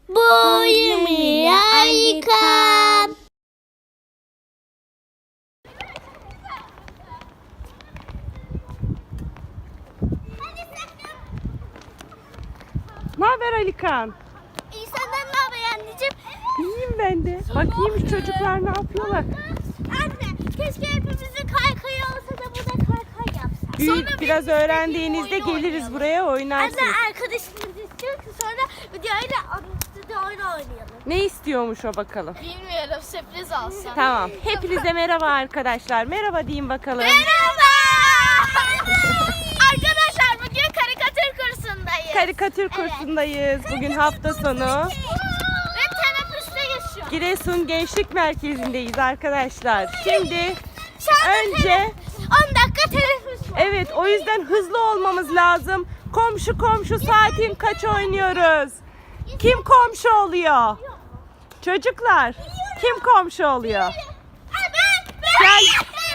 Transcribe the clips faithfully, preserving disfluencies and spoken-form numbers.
Boyumu Alikan. Ne haber Alikan? İyi, senden ne haber anneciğim? İyiyim ben de. Bakayım şu çocuklar ne yapıyorlar? Anne, keşke hepimizin kaykayı olsa da burada kaykay yapsak. Büyük biraz öğrendiğinizde geliriz buraya oynarsınız. Anne, arkadaşımız istiyor ki sonra videoyla stüdyo oyunu oynayalım. Ne istiyormuş o bakalım? Bilmiyorum, sürpriz olsun. Tamam. Hepinize merhaba arkadaşlar. Merhaba deyin bakalım. Merhaba! Arkadaşlar, bugün karikatür kursundayız. Karikatür kursundayız. Bugün hafta sonu. Ve teneffüste geçiyor. Giresun Gençlik Merkezi'ndeyiz arkadaşlar. Şimdi Şu anda önce on dakika teneffüs var. evet, o yüzden hızlı olmamız lazım. Komşu komşu saatin kaç oynuyoruz? Kim komşu oluyor? Çocuklar, kim komşu oluyor? Gel.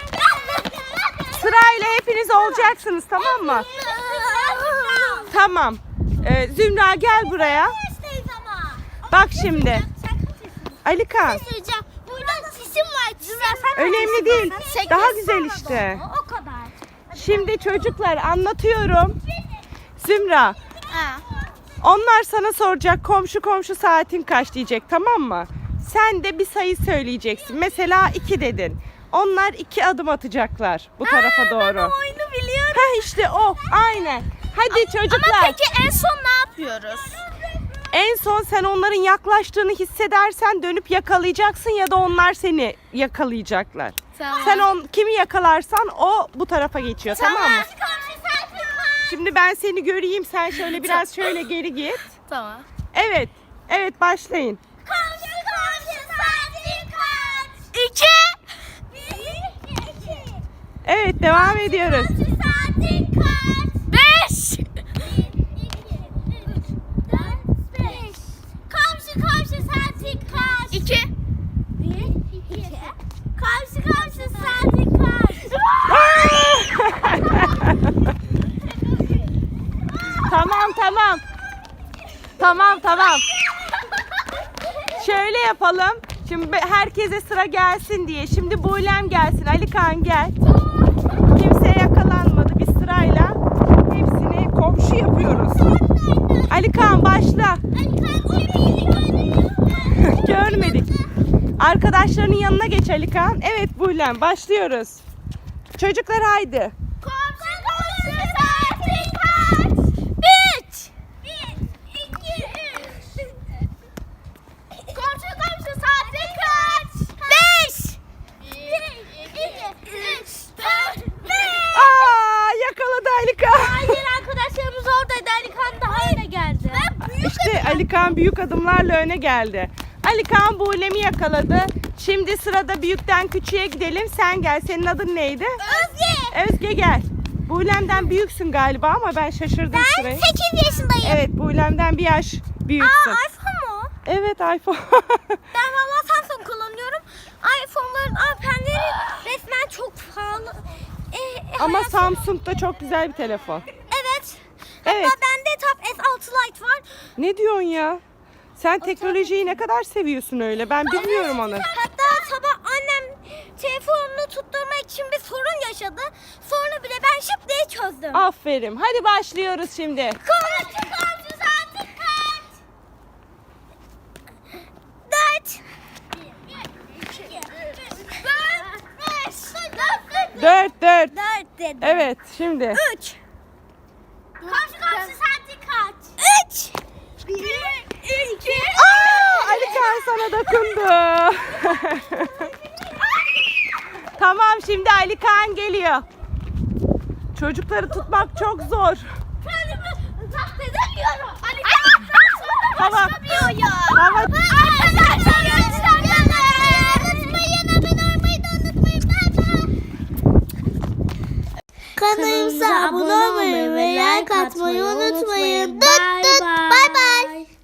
Sırayla hepiniz olacaksınız, tamam mı? Tamam. Ee, Zümra gel buraya. Bak şimdi. Alikan. Söyleyeceğim. Burada sesim var. Sen Önemli değil. Daha güzel işte. O kadar. Şimdi çocuklar anlatıyorum. Zümra, Ha. onlar sana soracak komşu komşu saatin kaç diyecek, tamam mı? Sen de bir sayı söyleyeceksin. Mesela iki dedin. Onlar iki adım atacaklar bu tarafa doğru. Ben o oyunu biliyorum. Ha işte o. Aynen. Hadi çocuklar. Ama peki en son ne yapıyoruz? En son sen onların yaklaştığını hissedersen dönüp yakalayacaksın ya da onlar seni yakalayacaklar. Tamam. Sen on, kimi yakalarsan o bu tarafa geçiyor, tamam, mı? Şimdi ben seni göreyim, sen şöyle biraz şöyle geri git. Tamam. Evet. Evet, başlayın. Komşu komşu saatin kaç? İki. Bir, iki. Evet, devam ediyoruz. Komşu saatin kaç? Beş. Bir, iki, üç, dört, beş. Komşu komşu saatin kaç? İki. Bir, iki. Komşu komşu saatin kaç? Tamam tamam. Tamam tamam. Şöyle yapalım. Şimdi be- herkese sıra gelsin diye. Şimdi Buğlem gelsin. Alikan gel. Kimseye yakalanmadı. Biz sırayla hepsini komşu yapıyoruz. Alikan başla. Görmedik. Arkadaşlarının yanına geç Alikan. Evet Buğlem, başlıyoruz. Çocuklar haydi. Komşu komşu saatin kaç? Üç. Bir, iki, üç. Komşu komşu saatin kaç? Beş. Bir, iki, üç, dört, beş. Aa, yakaladı Alikan. Hayır, arkadaşlarımız oradaydı. Alikan daha öne geldi. İşte Alikan büyük adımlarla öne geldi. Alikan Buğlem'i yakaladı. Şimdi sırada büyükten küçüğe gidelim. Sen gel. Senin adın neydi? Özge. Özge gel. Buğlem'den büyüksün galiba ama ben şaşırdım Ben sırayı. sekiz yaşındayım. Evet, Buğlem'den bir yaş büyüksün. Aa, iPhone mu? Evet, iPhone. Ben valla Samsung kullanıyorum. iPhone'ların amperleri resmen çok pahalı. Ee, Ama hayat- Samsung da çok güzel bir telefon. Evet. Evet. Hatta bende Tab S altı Lite var. Ne diyorsun ya? Sen teknolojiyi ne kadar seviyorsun öyle? Ben bilmiyorum onu. Hatta sabah annem telefonunu tutturmak için bir sorun yaşadı. Sonra bile ben şıp diye çözdüm. Aferin. Hadi başlıyoruz şimdi. Komşu komşu saatin kaç? Dört. Dört, beş, dört, Dört, dört. dört dedim. Evet, şimdi. Üç. Komşu komşu saatin kaç? Üç. Bir, iki. Aa, Alikan sana dokundu. Tamam, şimdi Alikan geliyor. Çocukları tutmak çok zor. Kendimi zapt edemiyorum. Ali Kağıt'tan sonra Tamam. başlamıyor ya. Tamam. Arkadaşlar lütfen beni unutmayın. Abone olmayı da unutmayın. Kanalımıza abone olmayı ve like atmayı unutmayın.